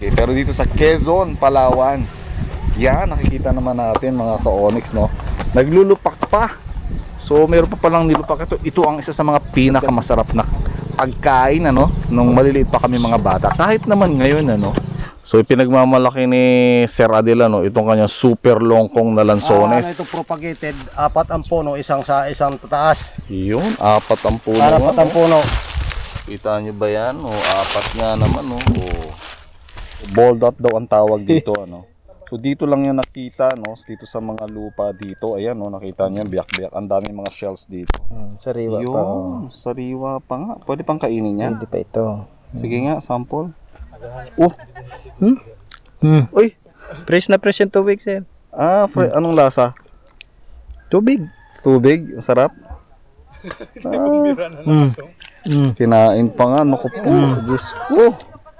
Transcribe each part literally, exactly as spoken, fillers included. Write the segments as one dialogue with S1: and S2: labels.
S1: Okay, pero dito sa Quezon, Palawan, yan, nakikita naman natin mga ka-Onyx, no? Naglulupak pa. So, meron pa palang nilupak ito. Ito ang isa sa mga pinakamasarap na pagkain, ano? Nung maliliit pa kami mga bata. Kahit naman ngayon, ano? So, ipinagmamalaki ni Sir Adel, ano? Itong kanyang super longkong na lansones.
S2: Ah, ano ito propagated, apat ang puno, isang sa isang tataas.
S1: Yun, apat ang puno.
S2: Apat ang puno.
S1: Kita nyo ba yan? O, apat nga naman, no? O, ball dot daw ang tawag dito, ano? So dito lang yan nakita, no? Dito sa mga lupa dito, ayan, no? Nakita nyo, biyak-biyak. Ang daming mga shells dito.
S2: Hmm, sariwa
S1: Yun,
S2: pa.
S1: sariwa pa nga. Pwede pang kainin yan.
S2: Hindi pa ito.
S1: Sige nga, sample. Oh,
S2: Hmm? Hmm.
S1: uy.
S2: Fresh na fresh yung tubig, sir.
S1: Ah, fre- anong lasa?
S2: Tubig.
S1: Tubig, sarap. Ah,
S2: Hmm. Hmm.
S1: kinain pa nga, naku po. Diyos ko.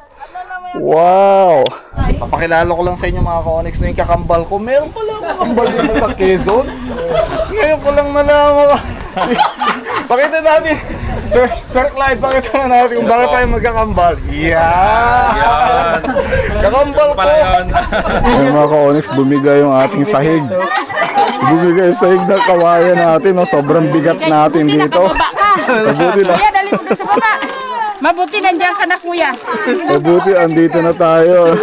S1: Wow! Papakilala ko lang sa inyo mga ka-Onyx na yung kakambal ko. Meron pala akong kakambal dito sa Quezon. Ngayon ko lang nalaman. Pakita natin. Sir, Sir Clyde, pakita na natin kung bakit tayo magkakambal. Yeah! Kakambal ko! Yung mga ka-Onyx, bumigay yung ating sahig. Bumigay yung sahig na kawayan natin. No? Sobrang bigat natin dito. Mabuti na.
S3: Kuya, dali mo dun sa baba. Mabuti nandiyan ka na, kuya.
S1: Mabuti, andito na tayo.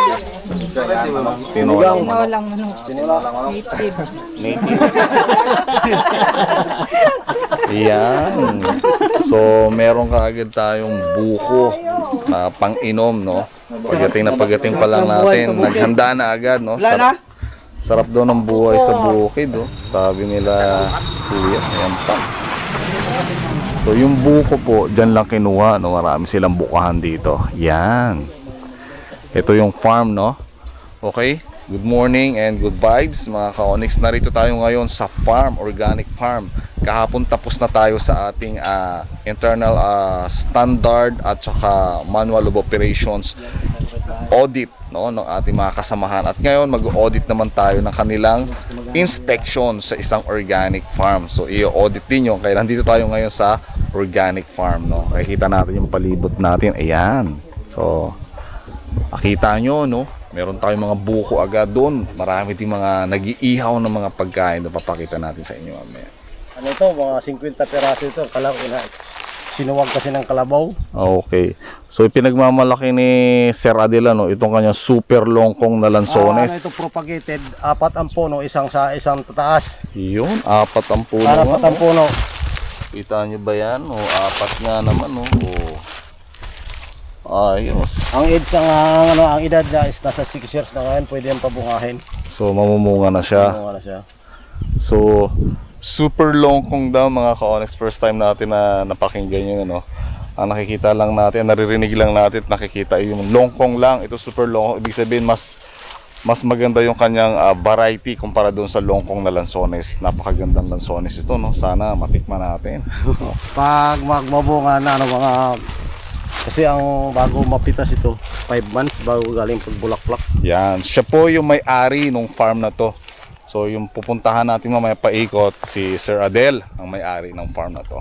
S1: Tinolang
S3: Tinolang lang manok. Native.
S1: Native. Yan. So, meron kaagad tayong buko na pang-inom, no? Pagdating na pagdating pa lang natin, naghanda na agad, no? Sarap, sarap daw ng buhay sa bukid, no? Sabi nila, kuya, ayan pa. So, yung buko po, dyan lang kinuha, no? Marami silang bukahan dito. Yan. Ito yung farm, no? Okay? Good morning and good vibes mga ka-Onyx. Narito tayo ngayon sa farm, organic farm. Kahapon tapos na tayo sa ating uh, internal uh, standard at saka manual of operations audit, no, ng ating mga kasamahan. At ngayon mag-audit naman tayo ng kanilang inspection sa isang organic farm. So i-audit din yun. Kaya nandito tayo ngayon sa organic farm, no? Makikita natin yung palibot natin. Ayan. So makita nyo, no? Meron tayong mga buko agad doon. Marami din mga nag-iihaw ng mga pagkain na papakita natin sa inyo mamaya.
S2: Ano ito, mga fifty peraso ito. Kalaw, ina, sinuwag kasi ng kalabaw.
S1: Okay. So ipinagmamalaki ni Sir Adel, no? Itong kanyang super longkong na
S2: Ah,
S1: lansones.
S2: ano ito propagated, apat ang puno, isang sa isang tataas.
S1: Yun, apat ang puno.
S2: Apat
S1: nga,
S2: ang
S1: no?
S2: puno.
S1: Kita nyo ba yan? O, apat nga naman, no? O, ayos.
S2: Ang age ang, ang, ano, ang edad niya is nasa six years na ngayon, pwede yung pabungahin.
S1: So mamumunga na siya.
S2: Pamunga na siya.
S1: So super longkong daw mga ka-Onyx. First time natin na napakinggan yun, ano? Ang nakikita lang natin, naririnig lang natin, nakikita yung longkong lang. Ito super longkong. Ibig sabihin mas mas maganda yung kanyang uh, variety kumpara doon sa longkong na lansones. Napakagandang lansones ito, no? Sana matikman natin.
S2: Pag magmabunga na, ano, mga, kasi ang bago mapitas ito, five months bago galing pagbulaklak.
S1: Yan, siya po yung may-ari ng farm na to. So yung pupuntahan natin mamaya paikot, si Sir Adel ang may-ari ng farm na to.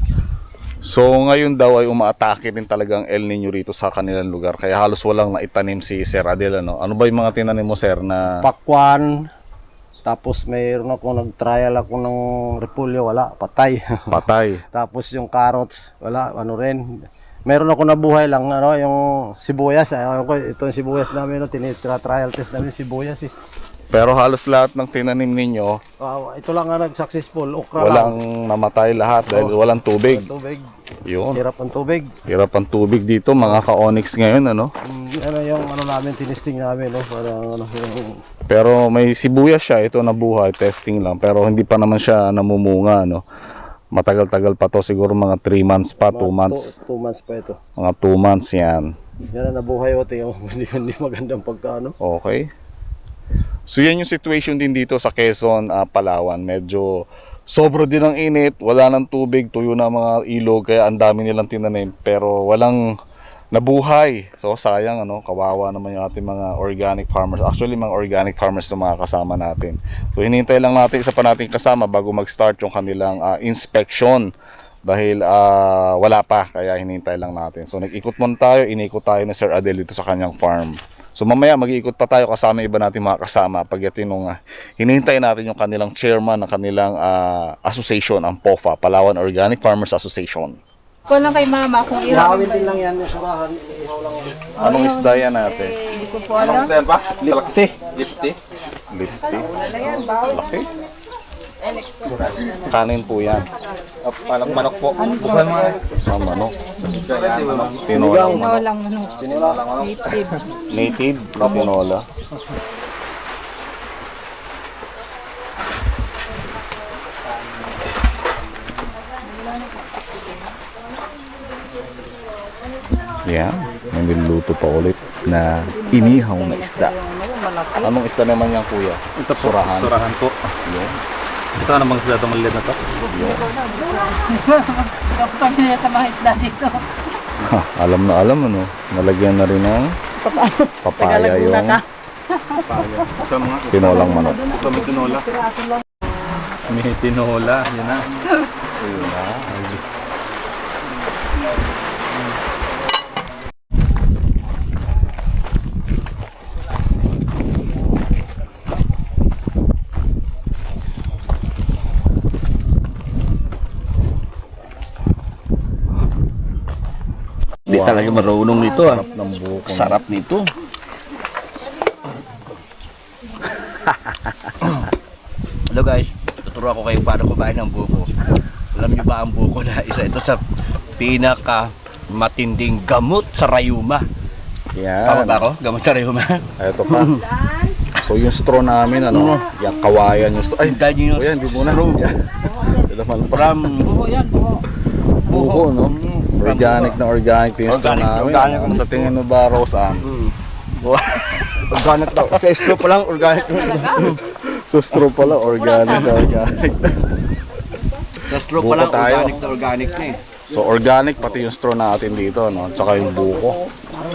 S1: So ngayon daw ay umaatake din talagang El Nino rito sa kanilang lugar. Kaya halos walang naitanim si Sir Adel, ano? Ano ba yung mga tinanim mo, Sir, na
S2: Pakwan, tapos mayroon ako nag-trial ako ng repolyo, wala, patay.
S1: patay?
S2: Tapos yung carrots, wala, ano rin. Meron ako nabuhay lang, ano, yung sibuyas. Ayun ko, ito yung sibuyas namin, no, tinitra-trial test namin sibuyas eh.
S1: Pero halos lahat ng tinanim ninyo,
S2: Wow, ito lang nga nag-successful, okra
S1: walang
S2: lang.
S1: namatay lahat dahil walang tubig.
S2: Tubig.
S1: Yun.
S2: Hirap ang tubig.
S1: Hirap ang tubig dito mga ka-Onyx ngayon, ano?
S2: Mm, ano yung ano namin, tinisting namin, no? Parang ano, yung,
S1: Pero may sibuyas siya, ito nabuhay, testing lang. Pero hindi pa naman siya namumunga, no? Matagal-tagal pa to, siguro mga three months pa, two months.
S2: two months pa ito.
S1: Mga two months yan.
S2: Yan na nabuhay o, tingnan mo, hindi, hindi magandang pagkaano.
S1: Okay. So yan yung situation din dito sa Quezon, uh, Palawan. Medyo sobro din ang init, wala ng tubig, tuyo na mga ilog, kaya ang dami nilang tinanim. Pero walang nabuhay. So sayang, ano, kawawa naman yung ating mga organic farmers. Actually mga organic farmers na mga kasama natin. So hinihintay lang natin isa pa nating kasama bago mag-start yung kanilang uh, inspection dahil ah, wala pa, kaya hinintay lang natin. So nag-ikot muna tayo, inikot tayo ni Sir Adel dito sa kanyang farm. So mamaya mag-iikot pa tayo kasama iba natin mga kasama pagdating nung uh, hinihintay natin yung kanilang chairman ng kanilang ah, association, ang P O F A, Palawan Organic Farmers Association.
S3: Ko lang kay mama kung ihawin.
S2: Ihawin din lang yan, yung surahan, ihaw lang yan.
S1: Anong isda yan natin?
S3: Hindi ko po alam.
S2: Lipti.
S1: Lipti. Laki. Kanin po yan.
S4: Palang manok po. Buksan mo nga.
S1: Ah, manok. Tinolang
S3: Tinolang
S1: manok.
S3: manok. Native.
S1: Native na tinola. Yan, may niluto pa ulit na inihaw na isda. Anong isda naman yan, kuya?
S4: Ito po.
S1: Surahan.
S4: Surahan po.
S1: Yun.
S4: Ito na bang sila itong maliit na to?
S1: Yun.
S3: Kapag na sa mga isda dito.
S1: Ha, alam na alam ano, nalagyan na rin ng papaya yung
S4: Ito mga.
S1: tinolang manok.
S4: Ito may tinola. May tinola. Yan na.
S1: Ayun na.
S5: Hindi talaga marunong nito ah.
S1: Sarap ng buko.
S5: Sarap nito. Hello guys, tuturo ako kayo paano kumain ng buko. Alam niyo ba ang buko na isa ito sa pinaka matinding gamot sa rayuma.
S1: Yan.
S5: Tama ba ako? Gamot sa rayuma.
S1: Ito pa. So yung straw namin, ano, yung kawayan yung straw. Ay,
S5: Dahil yung
S1: kuya, hindi muna.
S5: straw.
S1: Yan. Ito naman pa.
S5: From
S1: Buko, no? Organic na organic yung straw
S5: Organic,
S1: namin.
S5: organic.
S1: Ano sa tingin mo ba, Rose Ann?
S5: organic daw. Sa straw pa lang organic.
S1: So straw pala, organic na organic.
S5: Sa straw
S1: Buko
S5: pa lang
S1: tayo.
S5: organic na organic na eh.
S1: So organic pati yung straw natin dito, no? Tsaka yung buko.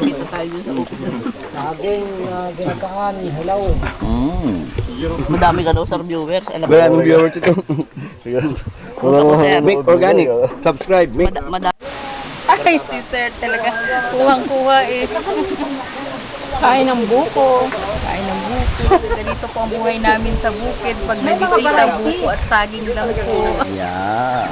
S2: Saging, uh, ginataan, hilaw.
S1: Mm.
S6: Madami ka daw, sir, viewers. Alam mo,
S5: Maraming viewers ito.
S6: punta ko, sir.
S5: Make organic. Subscribe. Make
S6: Mad- madami. Ay, si sir talaga. Kuhang-kuha eh. Kain ng buko. Kain ng buko. Ganito po ang buhay namin sa bukid. Pag nabisita, buko at saging lang po.
S1: Yeah.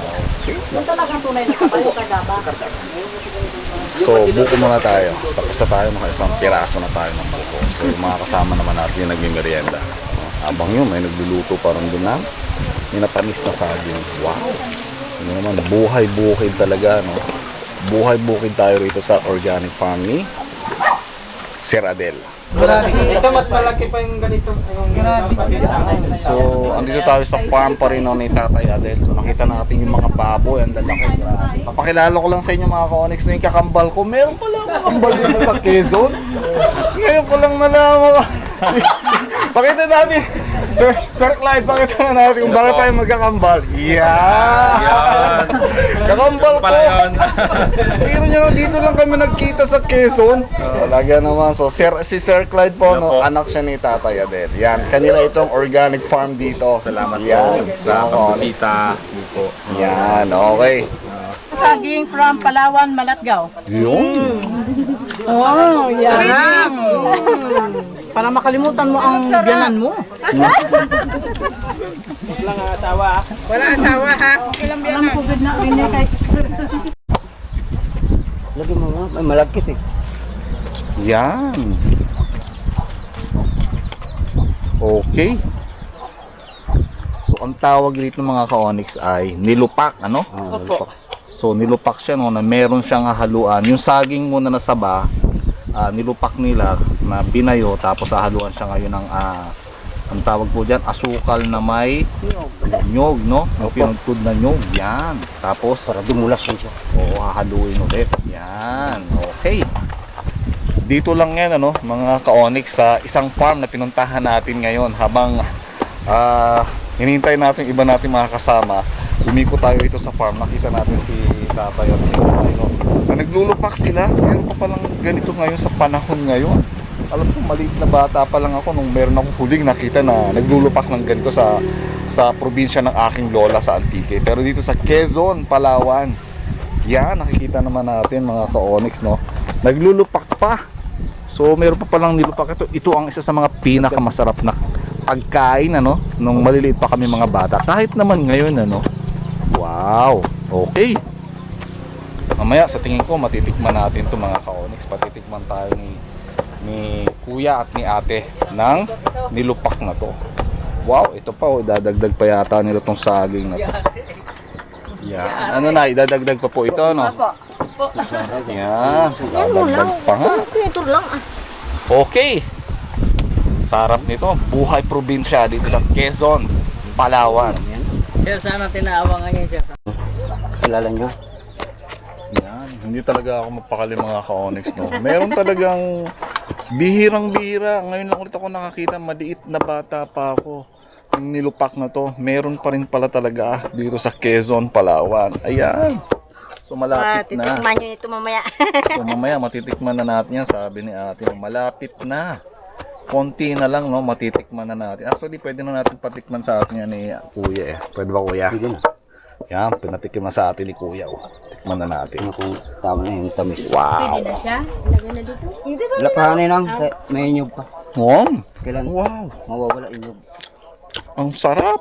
S1: So, buko muna tayo. Tapos na tayo, mga isang piraso na tayo ng buko. So, yung mga kasama naman natin yung nagmimerienda. No? Abang yun, may nagluluto parang doon lang. May napanis na saging. Wow! Ano naman, buhay-bukid talaga, no? Buhay-bukid tayo rito sa organic farm ni Sir Adel.
S4: Ito mas malaki pa yung ganito. Yung
S1: So, andito tayo sa farm pa rin no, ni Tatay Adel. So, nakita natin yung mga baboy, ang lalaki. Grabe. Papakilala ko lang sa inyo mga ka-onyx na yung kakambal ko. Meron pala akong kakambal dito sa Quezon. Ngayon ko lang nalaman ko. Pakita natin. Sir, Sir Clyde, pakita na natin kung bakit tayo magkakambal. Yeah!
S4: Yan.
S1: Kakambal ko!
S4: Pala yun.
S1: Pero nyo, dito lang kami nagkita sa Quezon. Talaga naman. So, Sir, si Sir Clyde po,
S4: Yan
S1: no,
S4: po.
S1: anak siya ni Tatay Adel. Yan, kanila itong organic farm dito.
S4: Salamat
S1: Yan,
S4: po sa
S1: mga
S4: pagbisita. po.
S1: Yan, okay.
S7: Saging from Palawan, Malatgaw.
S1: Yun.
S7: Oh, yan. Para makalimutan mo ang biyanan mo.
S4: Walang asawa.
S7: Wala asawa ha. Walang biyanan. COVID na rin niya kay...
S5: Lagi mo nga, may malagkit eh.
S1: Yan. Okay. So, ang tawag dito ng mga ka-onyx ay nilupak, ano?
S5: Opo.
S1: So, nilupak siya, no, na meron siyang haluan. Yung saging muna na saba, ah, nilupak nila na binayo, tapos hahaluan siya ngayon ng, ah, ang tawag po dyan, asukal na may nyog, no? Yung pinagtud na nyog, yan. Tapos,
S5: Para dumulas mo siya.
S1: oo, hahaluin ulit. Yan, okay. Dito lang yan, ano, mga ka-onyx, sa isang farm na pinuntahan natin ngayon habang ah, hinihintay natin yung iba natin mga kasama. Umikot tayo dito sa farm, nakita natin si tatay at si tatay, no? Na naglulupak sila, meron pa palang ganito ngayon sa panahon ngayon. alam ko maliit na bata pa lang ako nung meron akong huling nakita na naglulupak ng ganito sa sa probinsya ng aking lola sa Antique. Pero dito sa Quezon, Palawan, yan, nakikita naman natin mga ka-Onyx, no? Naglulupak pa. So meron pa palang nilupak ito. Ito ang isa sa mga pinakamasarap na pagkain, ano, nung maliliit pa kami mga bata. Kahit naman ngayon, ano. Wow, okay. Mamaya sa tingin ko matitikman natin to mga ka-Onyx. Patitikman tayo ni ni kuya at ni ate ng nilupak na to. Wow, ito pa oh, dadagdag pa yata nila tong saging na to. Yan. Ano na, idadagdag pa po ito, no? Yan, dadagdag pa nga.
S3: Ito lang ah.
S1: Okay. Sarap nito. Buhay probinsya dito sa Quezon, Palawan.
S7: Sir, sana tinaawa nga yan, sir.
S5: Kilala nyo?
S1: Yan, hindi talaga ako mapakali mga ka-Onyx, no. Meron talagang bihirang-bihira. Ngayon lang ulit ako nakakita, maliit na bata pa ako. Yung nilupak na to, meron pa rin pala talaga dito sa Quezon, Palawan. Ayan. So malapit na.
S3: Titikman nyo ito mamaya.
S1: So mamaya matitikman na natin yan, sabi ni ate. Malapit na. Konti na lang, no, matitikman na natin. Actually, pwede na natin patikman sa atin yan ni kuya eh. Pwede ba kuya? Pwede na. Yan, pinatikim na sa atin ni kuya. Oh. Tikman na natin.
S5: Kung tama na yung tamis.
S1: Wow.
S3: Pwede na siya. Ilagay na dito.
S5: Wala pa na lang. May inyog pa.
S1: Wow.
S5: Kailan?
S1: Wow.
S5: Mawawala inyog.
S1: Ang sarap.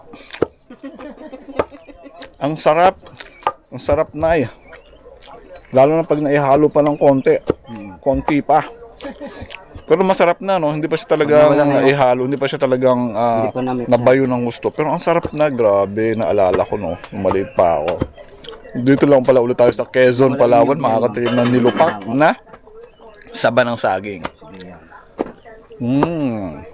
S1: Ang sarap. Ang sarap na eh. Lalo na pag naihalo pa ng konti. Konti pa. Pero masarap na, no? Hindi pa siya talagang naihalo. Hindi pa siya talagang uh, nabayo ng gusto. Pero ang sarap na. Grabe. Naalala ko, no? Nung maliit pa ako. Dito lang pala ulit tayo sa Quezon, Palawan. Makakatikim ng nilupak na saba ng saging. Mmm.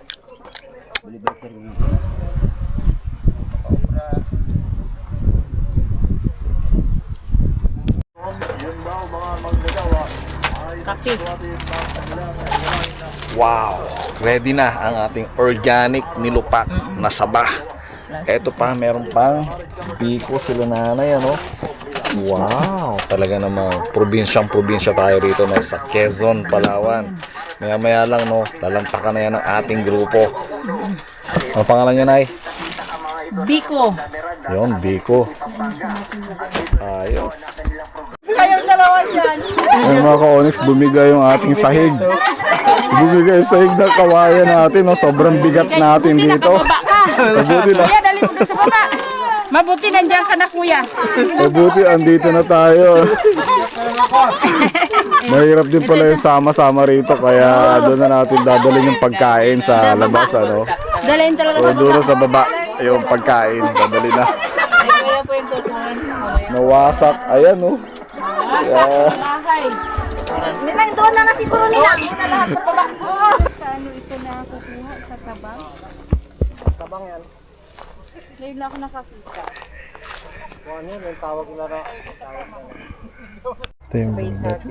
S1: Wow, ready na ang ating organic nilupak na saba. Eto pa, meron pang biko sila nanay, ano? Wow, talaga namang probinsyang probinsya tayo rito, no, sa Quezon, Palawan. Maya maya lang, no, lalantakan na yan ng ating grupo. Ano pangalan niya, Nay?
S3: Biko.
S1: Yun, Biko. Ayos.
S6: Kayong dalawa dyan.
S1: Ayun mga ka-Onyx, bumigay yung ating sahig. Bumigay yung sahig na kawayan natin, no? Sobrang bigat natin dito. Mabuti na.
S3: Kuya, dali mo doon sa baba. Mabuti nandiyan ka na, kuya.
S1: Mabuti, andito na tayo. Mahirap din pala yung sama-sama rito, kaya doon na natin dadalhin yung pagkain sa labas, ano?
S3: Dalhin talaga
S1: O
S3: sa baba.
S1: doon sa baba, yung pagkain, dadalhin na. Nawasak, ayan, no? Yeah.
S3: Bahay.
S6: Nilang doon na na siguro nila.
S3: Lahat sa baba. Sa ano ito na kukuha? Sa tabang?
S2: Tabang yan.
S3: Ngayon lang ako nakakita.
S2: Kung ano yun, yung tawag nila na.
S4: Ito yung
S3: Base natin.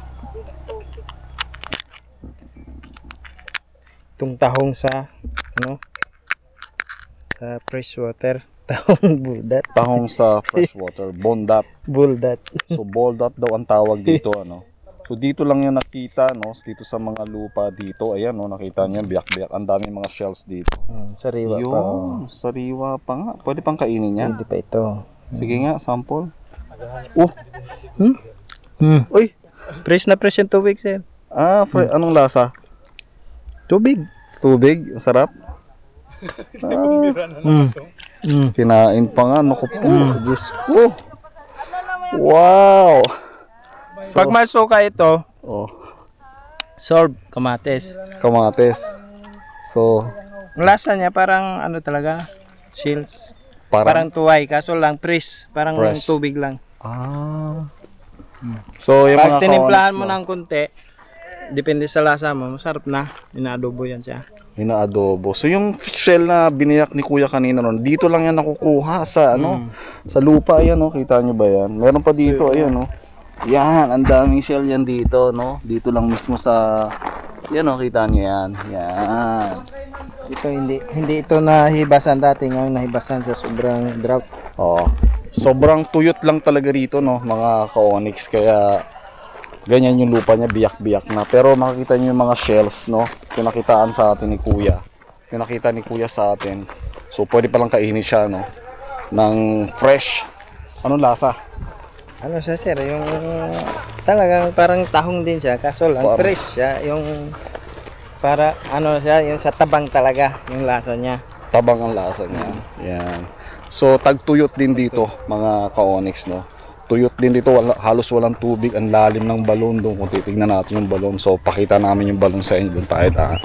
S4: itong tahong sa ano sa freshwater. Tahong buldat.
S1: Tahong sa freshwater, bondat.
S4: Buldat.
S1: So boldat daw ang tawag dito, ano. So dito lang yan nakita, no, dito sa mga lupa dito. Ayan, no, nakita niyo biyak-biyak. Ang daming mga shells dito.
S4: Hmm, sariwa pa.
S1: Yun, sariwa pa nga. Pwede pang kainin yan.
S4: Hindi pa ito.
S1: Sige nga, sample. Oh,
S4: Hmm.
S1: uy.
S4: Fresh na fresh yung tubig, sir.
S1: Ah, fre- anong lasa?
S4: Tubig.
S1: Tubig, ang sarap.
S4: Hmm. Hmm.
S1: Kinain pa nga, naku po, Diyos ko. Wow. So,
S4: Pag masuka ito,
S1: oh,
S4: solve kamates.
S1: kamates. So,
S4: Ang lasa niya parang ano talaga, shells.
S1: parang,
S4: Parang tuway, kaso lang fresh. Parang
S1: Fresh.
S4: tubig lang.
S1: ah. So, yung
S4: Pag
S1: mga
S4: tinimplahan
S1: ka-Onyx,
S4: mo
S1: no,
S4: ng konti, depende sa lasa mo, masarap na. Inaadobo yan siya.
S1: inaadobo. So, yung shell na biniyak ni Kuya kanina ron, dito lang yan nakukuha sa, ano, sa lupa. Ayan, no, kita nyo ba yan? Meron pa dito, ayan, no. Yan, ang daming shell yan dito, no. Dito lang mismo sa, yan, no, kita nyo yan. Yan.
S4: Ito hindi hindi ito nahibasan dati, ngayon nahibasan sa sobrang drought.
S1: Oh, sobrang tuyot lang talaga rito, no, mga ka-Onyx, kaya ganyan yung lupa niya, biyak-biyak na. Pero makikita niyo yung mga shells, no? Pinakitaan sa atin ni Kuya. Pinakita ni Kuya sa atin. So pwede palang kainin siya, no? Ng fresh. Anong lasa?
S4: Ano siya sir, yung talagang parang tahong din siya, kaso lang
S1: Parang-
S4: fresh siya, yung para ano siya, yung sa tabang talaga, yung lasa niya.
S1: Tabang ang lasa niya. Yan. So tagtuyot din dito, mga ka-onyx, no? Tuyot din dito, wala, halos walang tubig, ang lalim ng balon doon. Kung titignan natin yung balon, so pakita namin yung balon sa inyo, doon tayo ta.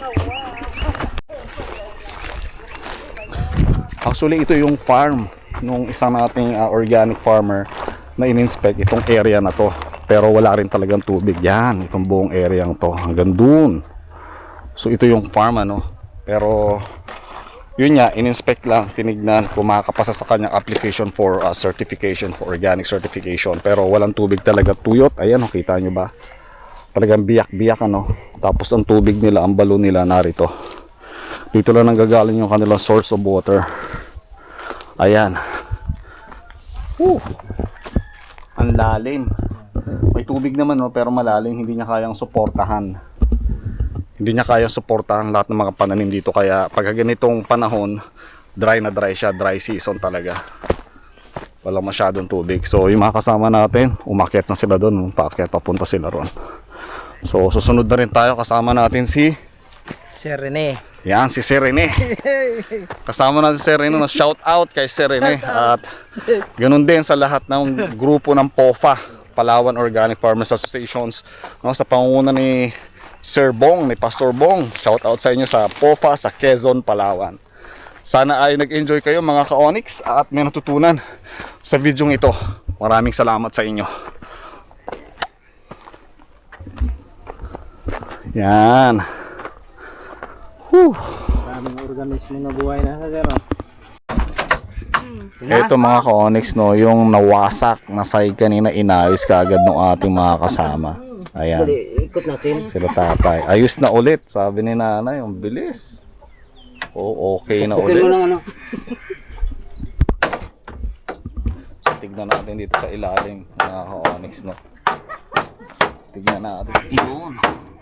S1: Actually, ito yung farm nung isang nating uh, organic farmer na in-inspect itong area na to, pero wala rin talagang tubig. Yan, itong buong area to hanggang dun. So ito yung farm, ano, pero yun nga, in-inspect lang, tinignan kung makakapasa sa kanyang application for uh, certification, for organic certification, pero walang tubig talaga. Tuyot, ayan, oh, kita nyo ba, talagang biyak-biyak, ano. Tapos ang tubig nila, ang balon nila narito, dito lang nanggagaling yung kanilang source of water. Ayan. Woo! Ang lalim. May tubig naman, no, pero malalim, hindi niya kayang suportahan. Hindi niya kayang suportahan lahat ng mga pananim dito. Kaya pag ganitong panahon, dry na dry siya, dry season talaga. Walang masyadong tubig. So yung mga kasama natin, umakyat na sila doon, paakyat, papunta sila ron. So susunod na rin tayo, kasama natin si
S4: Sir Rene.
S1: Yan, si Sir Rene. Kasama natin si Sir Rene, no? Shout out kay Sir Rene. At ganun din sa lahat ng grupo ng P O F A, Palawan Organic Farmers Associations, no? Sa pangunguna ni Sir Bong, ni Pastor Bong. Shout out sa inyo sa P O F A sa Quezon, Palawan. Sana ay nag-enjoy kayo mga ka-Onyx at may natutunan sa video ito. Maraming salamat sa inyo. Yan. Whew.
S4: Maraming organismo na buhay na sa zero.
S1: Ito mga ka-Onyx, no, yung nawasak na sahig kanina, inayos kaagad ng ating mga kasama. Ayan.
S7: Ikot natin.
S1: Sila tatay. Ayos na ulit, sabi ni nanay, yung bilis. Oh, okay na
S7: Okay mo
S1: ulit.
S7: lang ano.
S1: So, tignan natin dito sa ilalim, mga ka-Onyx, no. Tignan natin. Yun.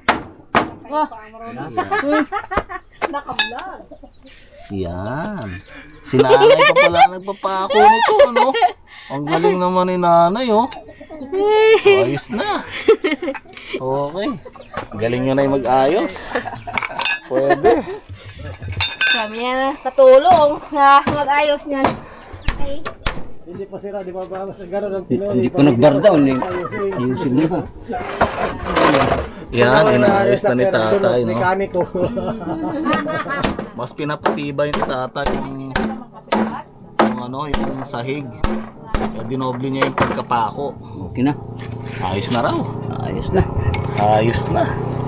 S1: Yan. Si nanay pa pala nagpapako nito, ano? Ang galing naman ni nanay, oh. Ayos na. Okay. Galing nyo na yung mag-ayos. Pwede.
S3: Kami yan katulong na mag-ayos niyan.
S2: Hindi pa sira, di ba ba? Mas gano'n ang Pinoy.
S7: Hindi pa nag-bardown eh. Ayusin mo.
S1: Yan, inayos na ni tatay, no?
S2: Mekaniko.
S1: Mas pinapatibay ni tatay yung, yung ano, yung sahig. Kaya dinoble niya yung pagkapako.
S7: Okay na.
S1: Ayos na raw.
S7: Ayos na.
S1: Ayos na.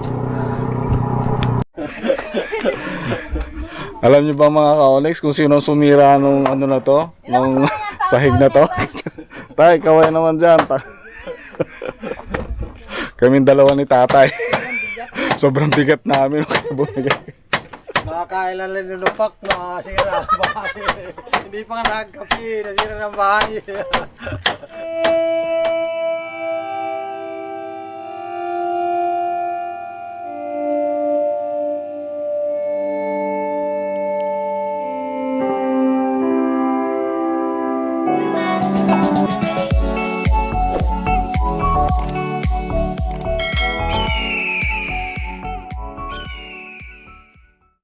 S1: Alam niyo ba mga ka-Onyx kung sino sumira nung ano na to? Nung sahig na to? Tay, kaway naman dyan. Kaming dalawa ni tatay. Sobrang bigat namin.
S2: Nakakailan lang yung lupak, nakasira ang bahay. Hindi pa nga nagkapi, nasira ng bahay.